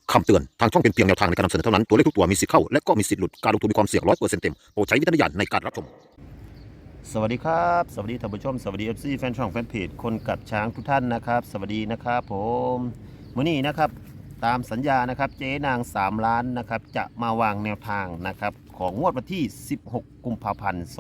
คำเตือนทางช่องเป็นเพียงแนวทางในการนำเสนอเท่านั้นตัวเลขทุกตัวมีสิทธิ์เข้าและก็มีสิทธิ์หลุดการลงทุนมีความเสี่ยง100%เต็มโปรดใช้วิจารณญาณในการรับชมสวัสดีครับสวัสดีท่านผู้ชมสวัสดี FC แฟนช่องแฟนเพจคนกัดช้างทุกท่านนะครับสวัสดีนะครับผมมื้อนี้นะครับตามสัญญานะครับเจ๊นาง3ล้านนะครับจะมาวางแนวทางนะครับของงวดวันที่16กุมภาพันธ์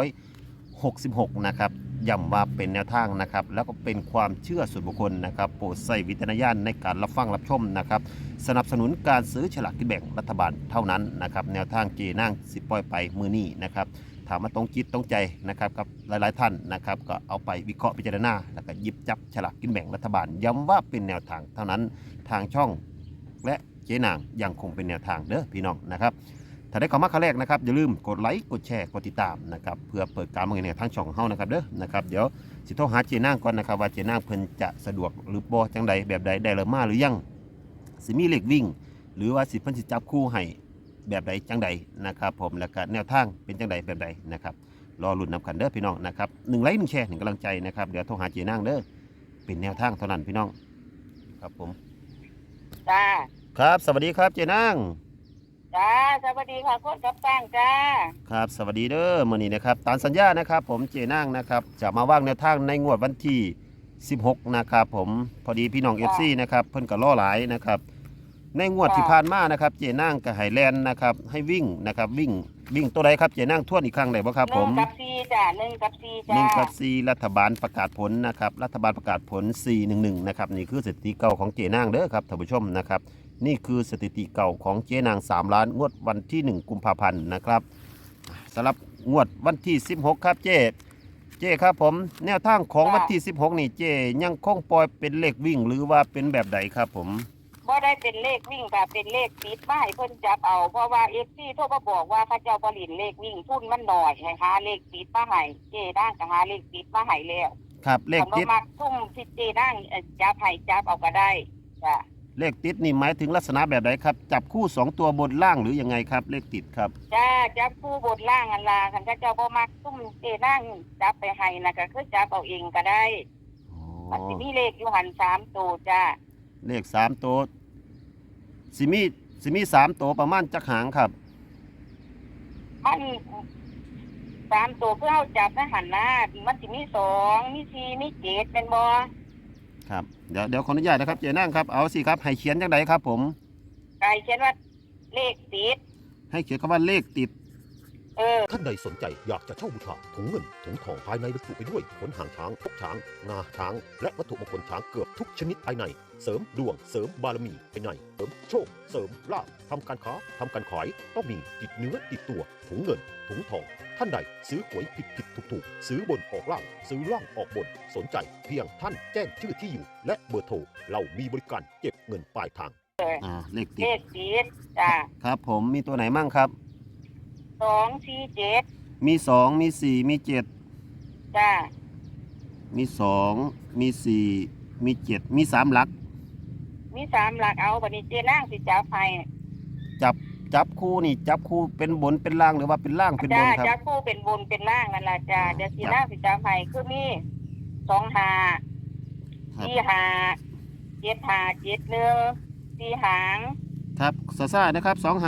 2566นะครับย้ำว่าเป็นแนวทางนะครับแล้วก็เป็นความเชื่อส่วนบุคคลนะครับโปรดใส่วิจารณญาณในการรับฟังรับชมนะครับสนับสนุนการซื้อฉลากกินแบ่งรัฐบาลเท่านั้นนะครับแนวทางเจนั่งสิปล่อยไปมือนี้นะครับถามมาตรงจิตตรงใจนะครับกับหลายๆท่านนะครับก็เอาไปวิเคราะห์พิจารณาแล้วก็หยิบจับฉลากกินแบ่งรัฐบาลย้ำว่าเป็นแนวทางเท่านั้นทางช่องและเจนางยังคงเป็นแนวทางเด้อพี่น้องนะครับถ้าได้เข้ามาครั้งแรกนะครับอย่าลืมกดไลค์กดแชร์กดติดตามนะครับเพื่อเปิดการมองเห็นทางช่องของเฮานะครับเด้อนะครับเดี๋ยวสิโทรหาเจนางก่อนนะครับว่าเจนางเพิ่นจะสะดวกหรือบ่จังใดแบบใดได้หรือมาหรือยังสิมีเลขวิ่งหรือว่าสิเพิ่นสิจับคู่ให้แบบใดจังใดนะครับผมแล้วก็แนวทางเป็นจังใดแบบใดนะครับรอลุ้นนำกันเด้อพี่น้องนะครับ1ไลค์1แชร์1กำลังใจนะครับเดี๋ยวโทรหาเจนางเด้อเป็นแนวทางเท่านั้นพี่น้องครับผมจ้าครับสวัสดีครับเจนางจ้าสวัสดีค่ะคนกับตั้งจ้าครับสวัสดีเด้อมื้อนี้นะครับตามสัญญานะครับผมเจนางนะครับจะมาวางแนวทางในงวดวันที่16นะครับผมพอดีพี่น้อง FC นะครับเพิ่นก็ล่อหลายนะครับในงวดที่ผ่านมานะครับเจนางก็ให้แล่นนะครับให้วิ่งนะครับวิ่งตัวใดครับเจนางทวนอีกครั้งได้บ่ครับผม 1 กับ 4จ้า1 กับ 4จ้า 1 กับ 4รัฐบาลประกาศผลนะครับรัฐบาลประกาศผล411นะครับนี่คือสถิติเก่าของเจนางเด้อครับท่านผู้ชมนะครับนี่คือสถิติเก่าของเจนาง3ล้านงวดวันที่1กุมภาพันธ์นะครับสำหรับงวดวันที่16ครับเจครับผมแนวทางของวันที่16นี่เจยังคงปล่อยเป็นเลขวิ่งหรือว่าเป็นแบบใดครับผมบ่ได้เป็นเลขวิ่งค่ะเป็นเลขติดมาให้เพิ่นจับเอาเพราะว่า FC โทรมาบอกว่าเขาเจ้าบ่ลินเลขวิ่งทุนมันน้อยให้หาเลขติดมาให้เจด้างก็หาเลขติดมาให้แล้วครับเลขติดมักทุ่มที่เจด้างจับให้จับเอาก็ได้จ้าเลขติดนี่หมายถึงลักษณะแบบใดครับจับคู่2ตัวบนล่างหรือยังไงครับเลขติดครับจ้าจับคู่บนล่างอันล่ะคันเขาเจ้าบ่มักทุ่มเจด้างจับไปให้น่ะก็คือจับเอาเองก็ได้มันสิมีเลขอยู่หัน3ตัวจ้าเลข3ตัวสิมี3ตัวประมาณจักหางครับมัน3ตัวเพื่อเอาจับนะหันหน้ามันสิมี2มี4มี7เป็นบ่ครับเดี๋ยวขออนุญาตนะครับเจนั่งครับเอาสิครับให้เขียนจังไดครับผมไก่เขียนว่าเลขติดให้เขียนคำว่าเลขติดท่านใดสนใจอยากจะเช่าบูชาถุงเงินถุงทองภายในบรรจุไปด้วยขนหางช้างพกช้างงาช้างและวัตถุมงคลช้างเกือบทุกชนิดภายในเสริมดวงเสริมบารมีภายในเสริมโชคเสริมลาภทำการค้าทำการขายต้องมีติดเนื้อติดตัวถุงเงินถุงทองท่านใดซื้อหวยผิดถูกซื้อบนออกล่างซื้อล่างออกบนสนใจเพียงท่านแจ้งชื่อที่อยู่และเบอร์โทรเรามีบริการเก็บเงินปลายทางเลขติดเลขติดจ้าครับผมมีตัวไหนมั่งครับ 2 4 7 มี2มี4มี7 จ้ามี2มี4มี7มี3หลักมี3หลักเอาบัดนี้เจนางสิจับให้จับคู่นี่จับคู่เป็นบนเป็นล่างหรือว่าเป็นล่างเป็นบจ้านครับจับคู่เป็นบนเป็นล่างนั่นล่ะจ้าเดี๋ยวสินางสิจับให้คือมี2 5 4 5 7 5 7 1 4หางครับซ่าๆนะครับ2 5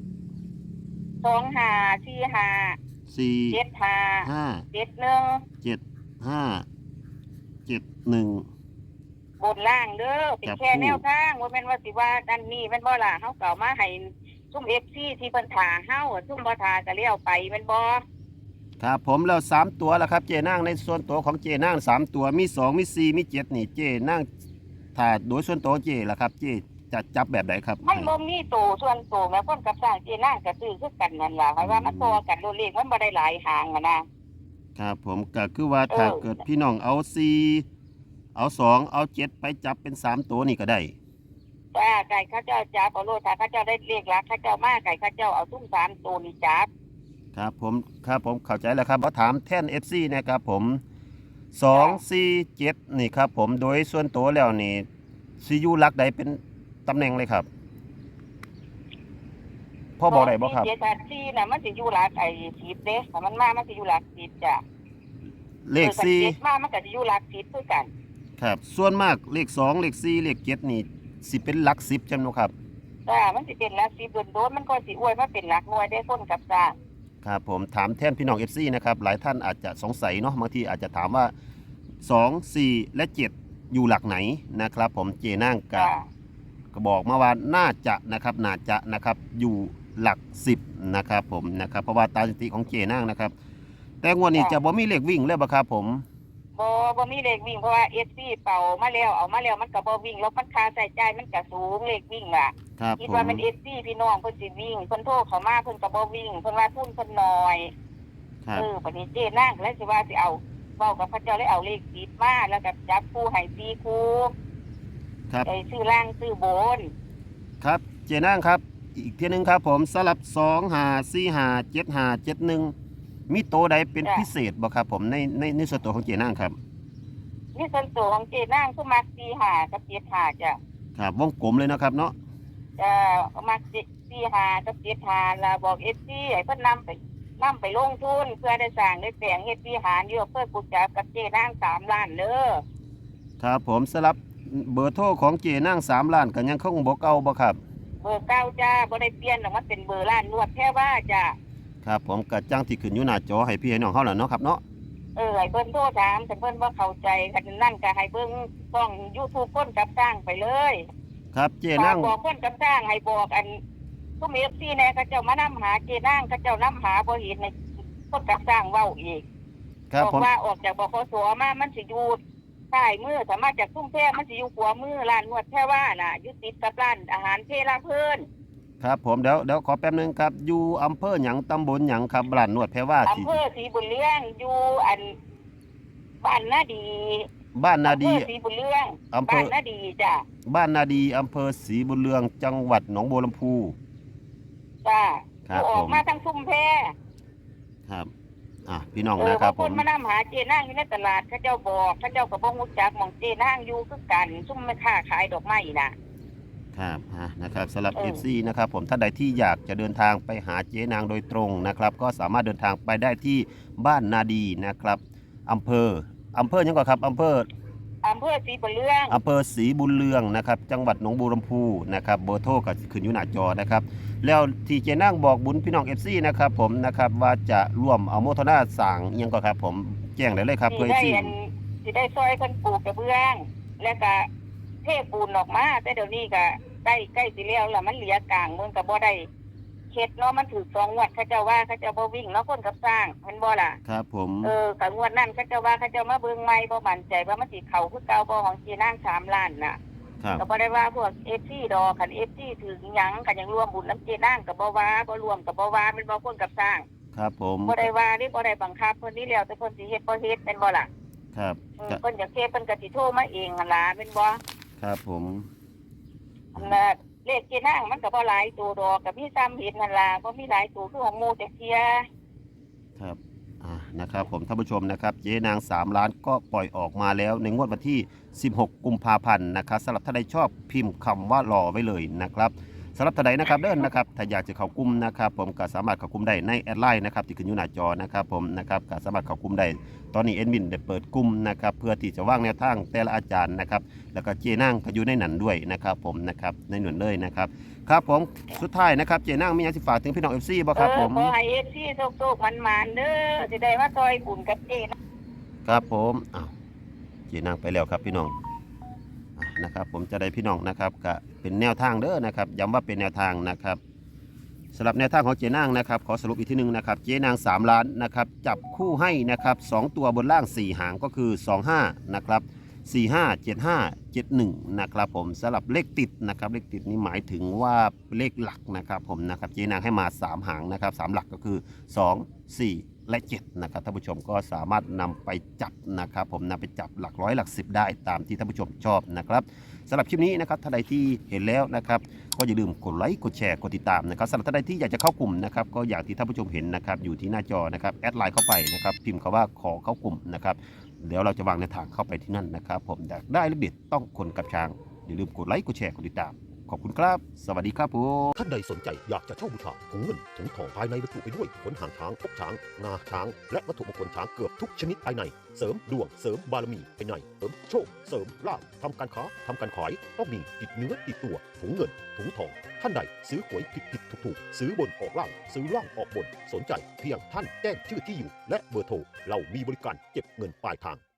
2 5 4 5 4 7 5 5 7 1 7 5 7 1 บนล่างเด้อเป็นแค่แนวทางว่าแม่นว่าสิว่าดันนี้แม่นบ่ล่ะเฮาเก่ามาให้ซุ่ม FC ที่เพิ่นท่าเฮาซุ่มบ่ท่าก็เลี้ยวไปแม่นบ่ครับผมแล้ว3ตัวแล้วครับเจนั่งในส่วนตัวของเจนั่ง3ตัวมี2มี4มี7นี่เจนั่งถ้าโดยส่วนตัวเจล่ะครับเจจะจับแบบไหนครับมันบ่มีโตส่วนโตแม่คนกับสร้างเจนางก็ซื้อคือกันนั่นล่ะเพราะว่ามันพอกันโลเลขมันบ่ได้หลายหางนะครับผมก็คือว่าถ้าเกิดพี่น้องเอา4เอา2เอา7ไปจับเป็น3ตัวนี่ก็ได้จ้าไก่เขาเจ้าจับเอาโลดถ้าเขาเจ้าได้เลขหลักเขาเจ้ามาไก่เขาเจ้าเอาซุ่ม3ตัวนี่จับครับผมเข้าใจแล้วครับขอถามแท่น FC นะครับผม2 4 7นี่ครับผมโดยส่วนตัวแล้วนี่สิอยู่หลักใดเป็นตำแหน่งเลยครับพ่อบอกได้บ่ครับ 7 4น่ะมันสิอยู่หลัก10เด้ถ้ามันมามันสิอยู่หลัก10จ้ะเลข 4มามันก็สิอยู่หลัก10คือกันครับส่วนมากเลข2เลข4เลข7นี่สิเป็นหลัก10จังเนาะครับจ้ามันสิเป็นหลักสิบโดนมันก็สิอวยมาเป็นหลักหน่วยได้คนกับจ้างครับผมถามแทนพี่น้อง FC นะครับหลายท่านอาจจะสงสัยเนาะบางทีอาจจะถามว่า2 4และ7อยู่หลักไหนนะครับผมเจนางกะจ้าก็บอกมาว่าน่าจะนะครับอยู่หลัก10นะครับผมนะครับเพราะว่าตามสถิติของเจนางนะครับแต่งวดนี้จะบ่มีเลขวิ่งแล้วบ่ครับผมบ่มีเลขวิ่งเพราะว่า FC เป่ามาแล้วเอามาแล้วมันก็บ่วิ่งแล้วมันค่าใช้จ่ายมันก็สูงเลขวิ่งล่ะครับคิดผมว่ามัน FC พี่น้องเพิ่นสิวิ่งเพิ่นโทรเข้ามาเพิ่นก็บ่วิ่งเพิ่นว่าทุนเพิ่นน้อยครับบัดนี้เจ๊นางก็เลยสิว่าสิเอาเว้ากับพระเจ้าเลยเอาเลขติดมาแล้วก็จับคู่ให้4คู่ครับไอ้ซื้อล่างซื้อบนครับเจนางครับอีกทีหนึงครับผมสลับ2 5 4 5 7 5 7 1มีโตวใดเป็นพิเศษบ่ครับผมในส่วนตัวของเจนางครับนี่ส่วนตัวของเจ๊นางคือมัก45กับ75จ้ะครับวงกลมเลยนะครับเนาะมัก45กับ75แล้วบอก FC ให้เพิ่นนำไปลงทุนเพื่อได้สร้างได้แปลงเฮ็ดวิหารอยู่เพื่อกุศลกับเจ๊นาง3ล้านเด้อครับผมสลับเบอร์โทรของเจนาง3ล้านก็ยังคงบ่เก่าบ่ครับเบอร์เก้าจ้าบ่ได้เปลี่ยนหรอกมันเป็นเบอร์ร้านนวดแค่ว่าจ้าครับผมกระจังที่ขึ้นอยู่หน้าจอให้พี่ให้น้องเฮาล่ะเนาะครับเนาะให้เพิ่นโทรถามแต่เพิ่นบ่เข้าใจกันนั่นก็ให้เบิ่งช่อง YouTube คนกับสร้างไปเลยครับเจฝานาก งบอกคนกับสร้างให้บอกอันซุม FC แน่เขาเจ้ามานำหาเจนางเขาเจ้านำหาบ่เห็นในคนกับสร้างเว้าอีกครับบอกผมว่าออกจากบขสมามันสิอยู่ใต้มือสามารถจากทุ่งแท้มันสิอยู่ขวามือร้านนวดแท้ว่าน่ะอยู่ติดกับร้านอาหารเพลาเพิ่นครับผมเดี๋ยวขอแป๊บนึงครับอยู่อำเภอหยังตำบลหยังครับร้านนวดแพรว่าอำเภอศรีบุญเรืองอยู่อันบ้านนาดีบ้านนาดีอำเภอศรีบุญเรืองอำเภอบ้านนาดีจ้ะบ้านนาดีอำเภอศรีบุญเรืองจังหวัดหนองบัวลำพูจ้ะครับออกผมมาทางซุ่มแพครับพี่น้องนะครับบางผคนมมานำหาเจนางอยู่ในตลาดเขาเจ้าบอกเขาเจ้าก็บ่ฮู้จักหม่องเจนางอยู่คือกันซุ่มแม่ค้าขายดอกไม้น่ะครับนะครับสำหรับเออ FC นะครับผมท่านใดที่อยากจะเดินทางไปหาเจ๊นางโดยตรงนะครับก็สามารถเดินทางไปได้ที่บ้านนาดีนะครับอำเภอหยังก่อนครับอำเภออำเภอศรีบุญเรืองอำเภอศรีบุญเรืองนะครับจังหวัดหนองบัวลำพูนะครับเบอร์โทรก็ขึ้นอยู่หน้าจอนะครับแล้วที่เจนั่งบอกบุญพี่น้อง FC นะครับผมนะครับว่าจะร่วมเอาโมทนาสั่งอิหยังก็ครับผมแจ้งได้เลยครับเพื่อสิได้ที่สิได้ซอยคนปลูกกระเบื้อง แล้วก็เทปูนออกมาแต่เดี๋ยวนี้ก็ใกล้สิแล้วล่ะมันเหลือกลางมันก็บ่ได้เฮ็ดเนาะมันถูก2งวดเขาเจ้าว่าเขาเจ้าบ่วิ่งเนาะคนกับสร้างเห็นบ่ล่ะครับผมกับงวดนั้นเขาเจ้าว่าเขาเจ้ามาเบิ่งใหม่บ่มั่นใจว่ามันสิเข้าคือเก่าบ่ของจีนาง3ล้านน่ะครับก็บ่ได้ว่าพวก FC ดอกคัน FC ถึงหยังก็ยังรวมบุญน้ำจีนางก็บ่ว่าบ่รวมก็บ่ว่าเป็นบ่คนกับสร้างครับผมบ่ได้ว่านี่บ่ได้บังคับเพิ่นนี่แล้วแต่เพิ่นสิเฮ็ดบ่เฮ็ดเป็นบ่ล่ะครับเพิ่นอยากเฮ็ดเพิ่นก็สิโทรมาเองหั่นล่ะเป็นบ่ครับผมอันน่ะเลขจีนางมันก็บ่หลายตัวดอกก็มีซ้ำเห็นนั่นล่ะบ่มีหลายตัวคือของหมู่จักเที่ยครับนะครับผมท่านผู้ชมนะครับเจ๊นาง3ล้านก็ปล่อยออกมาแล้วในงวดวันที่ 16 กุมภาพันธ์นะครับสำหรับท่านใดชอบพิมพ์คำว่ารอไว้เลยนะครับสำหรับท่านใดนะครับเด้อนนะครับถ้าอยากจะเข้ากลุ่มนะครับผมก็สามารถเข้ากลุ่มได้ในแอดไลน์นะครับที่ขึ้นอยู่หน้าจอนะครับผมนะครับก็สามารถเข้ากลุ่มได้ตอนนี้เอ็ดมินได้เปิดกลุ่มนะครับเพื่อที่จะว่างแนวทางแต่ละอาจารย์นะครับแล้วก็เจ๊นางก็อยู่ในนั้นด้วยนะครับผมนะครับในหน่วยเลยนะครับครับผมสุดท้ายนะครับเจ๊นางมีอยากสิฝากถึงพี่น้อง FC บ่ครับผมขอให้ FC โชคๆมันๆเด้อสิได้มาซอยบุญกับเจนะครับผมเจ๊นางไปแล้วครับพี่น้องนะครับผมจะได้พี่น้องนะครับก็เป็นแนวทางเด้อนะครับย้ำว่าเป็นแนวทางนะครับสำหรับแนวทางของเจ๊นางนะครับขอสรุปอีกทีหนึงนะครับเจ๊นาง3ล้านนะครับจับคู่ให้นะครับ2ตัวบนล่าง4หางก็คือ25นะครับ45 75 71นะครับผมสำหรับเลขติดนะครับเลขติดนี้หมายถึงว่าเลขหลักนะครับผมนะครับเจ๊นางให้มา3หางนะครับ3หลักก็คือ2 4และ7นะครับท่านผู้ชมก็สามารถนำไปจับนะครับผมนำไปจับหลักร้อยหลัก10ได้ตามที่ท่านผู้ชมชอบนะครับสำหรับคลิปนี้นะครับท่านใดที่เห็นแล้วนะครับก็อย่าลืมกดไลค์กดแชร์กดติดตามนะครับสำหรับท่านใดที่อยากจะเข้ากลุ่มนะครับก็อย่างที่ท่านผู้ชมเห็นนะครับอยู่ที่หน้าจอนะครับแอดไลน์เข้าไปนะครับพิมพ์คำว่าขอเข้ากลุ่มนะครับเดี๋ยวเราจะวางในวทางเข้าไปที่นั่นนะครับผมอยากได้เลขเด็ดต้องคนกับช้างอย่าลืมกดไลค์กดแชร์กดติดตามขขอบคุณครับ สวัสดีครับผมท่านใดสนใจอยากจะเช่าบูชาถุงเงินถุงทองภายในบรรจุไปด้วยขนหางช้างพกช้างงาช้างและวัตถุมงคลช้างเกือบทุกชนิดภายในเสริมดวงเสริมบารมีภายในเสริมโชคเสริมลาภทำการค้าทำการขายต้องมีติดเนื้อติดตัวถุงเงินถุงทองท่านใดซื้อหวยผิดถูกซื้อบนออกล่างซื้อล่างออกบนสนใจเพียงท่านแจ้งชื่อที่อยู่และเบอร์โทรเรามีบริการเก็บเงินปลายทาง